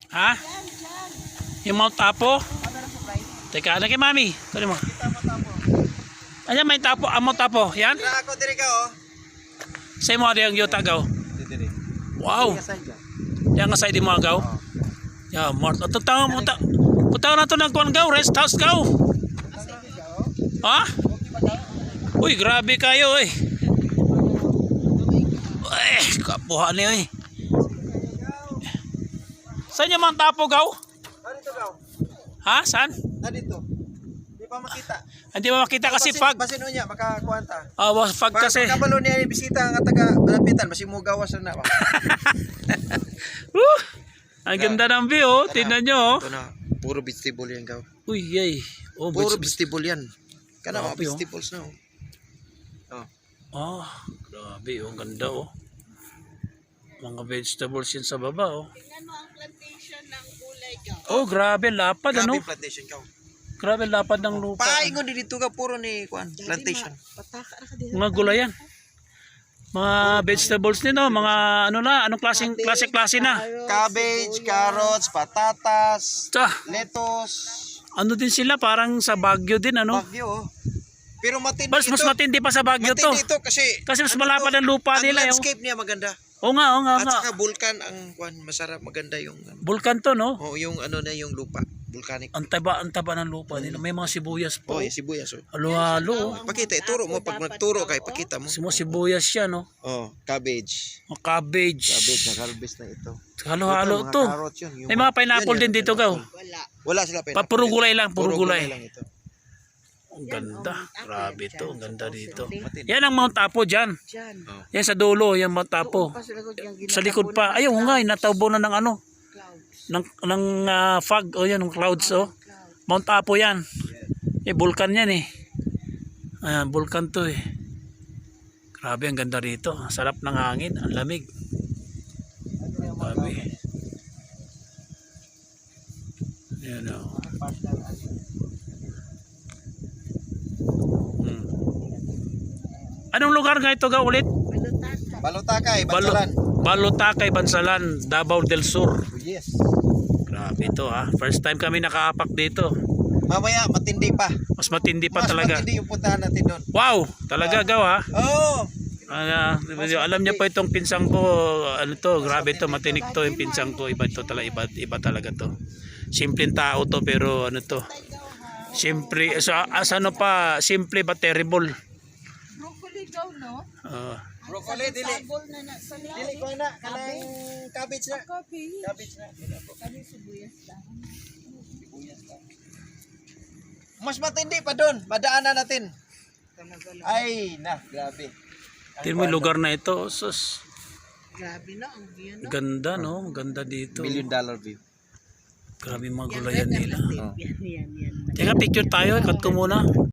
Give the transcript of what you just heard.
Ha? Yung Mount Apo? Teka, ano kay mami? Kunin mo. Ayan, may tapo. Ang Mount Apo. Yan? Ako diri ka oh. Sa mo yung yuta gaw. Diri. Wow. Yan nga sa di mo gaw. Ya, Mart. At tawag mo punta na to ng kuan gaw, rest house gaw. Ha? Uy, grabe kayo eh. Kapuha niyo eh. Saan yung Mount Apo gaw? Dito gaw. Ha? Saan? Dito. Di pa makita. Hindi ba makita kasi fog? Basin unya makakuanta. Fog kasi. Kabalo niya ni bisita nga taga malapitan basi mo gawas na ba. Ang ganda ng view, oh. Tingnan nyo. Ito na, puro vegetable yan gaw. Uy, yay. Oh, Puro vegetable yan. Kana mga Grabe, oh. vegetables na oh. Oh. Grabe, oh. Ang ganda, oh. Mga vegetables yan sa baba, oh. Tingnan mo ang plantation ng gulay gaw. Oh, grabe, lapad, ano? Grabe plantation gaw. Grabe, lapad ng lupa. Paingon din dito ka puro ni kuan plantation. Pataka na ka dito. Mga gulayan. Mga vegetables din, oh. Mga ano na, anong klase na. Cabbage, carrots, patatas, Tsa, lettuce, ano din sila, parang sa Baguio din, ano? bagyo oh. Pero matindi Mas ito. matindi pa sa Baguio to. Matindi ito kasi Kasi mas malapad ang lupa ang nila, oh. landscape niya maganda. Oo nga, At nga. saka vulkan ang kuan masarap maganda yung Vulkan to, no? oh, yung ano na yung lupa, volcanic. Ang taba ng lupa nila. May mga sibuyas po. Oh, yung sibuyas oh. Halo-halo. Pakita, ituro mo pag nagturo kay pakita mo. Sibuyas siya, no? Oh, cabbage. Mga cabbage. Cabbage na harvest na ito. Halo-halo Ito, to. mga carrots yun. May mga pineapple Yan, din dito, gaw. Wala. Wala sila pineapple. Puro gulay lang, puro gulay. lang ito. Ang ganda. Grabe to. Ang ganda dito. Matindi. Yan ang Mount Apo dyan. Diyan. Yan sa dulo, yan Mount Apo. Sa likod pa. Ayun nga, nataubo na ng ano. Clouds. Ng fog. O yan, ng clouds. Oh. Mount Apo yan. Vulkan yan eh. Ayan, vulkan to eh. Grabe, ang ganda rito. Sarap ng hangin. Ang lamig. Grabe. Yan o. Anong lugar nga ito ga ulit? Balutata. Balutakay, Bansalan. Balutakay, Bansalan, Davao del Sur. Oh, yes. Grabe ito ha. First time kami nakaapak dito. Mamaya matindi pa. Mas matindi pa Mas talaga. matindi yung puntahan natin doon. Wow! Talaga gaw ha. Oh! Alam niya po itong pinsang ko, ano to, grabe to, matinik to yung pinsang ko, iba to talaga, iba talaga to. Simpleng tao to pero ano to. Simple, as ano pa, simple but terrible. Broccoli gaw, no? Broccoli, dili. Sabol na na sa Dili ko na, kanang cabbage na. Coffee. Cabbage na. Kami sibuyas lang. Mas matindi pa doon. Madaanan natin. Talaga lang. Ay, grabe. Tingnan mo yung lugar na ito, sus. Grabe na ang view, no? Ganda no, ganda dito. $1 million view. Grabe mga gulayan nila. Yan. Teka, picture tayo, cut ko muna.